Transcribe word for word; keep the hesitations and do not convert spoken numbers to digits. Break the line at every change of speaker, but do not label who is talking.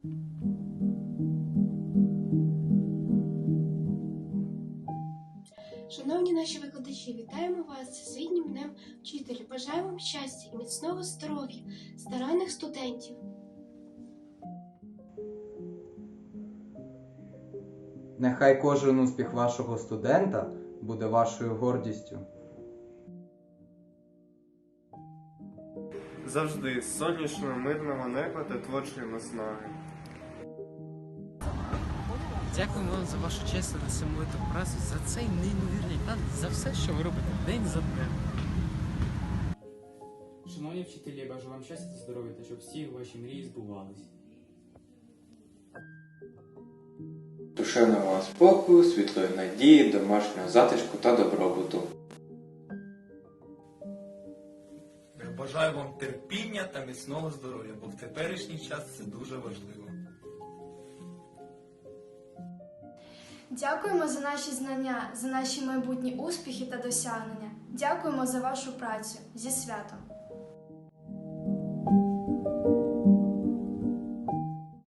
Шановні наші викладачі, вітаємо вас з Всесвітнім днем вчителя. Бажаємо вам щастя і міцного здоров'я, старанних студентів.
Нехай кожен успіх вашого студента буде вашою гордістю.
Завжди сонячного, мирного неба та творчої наснаги.
Дякуємо вам за вашу чесну та самовиту працю, за цей неймовірний талант, за все, що ви робите день за днем.
Шановні вчителі, я бажаю вам щастя та здоров'я, та щоб всі ваші мрії збувались.
Душевного спокою, світлої надії, домашнього затишку та добробуту.
Бажаю вам терпіння та міцного здоров'я, бо в теперішній час це дуже важливо.
Дякуємо за наші знання, за наші майбутні успіхи та досягнення. Дякуємо за вашу працю. Зі святом!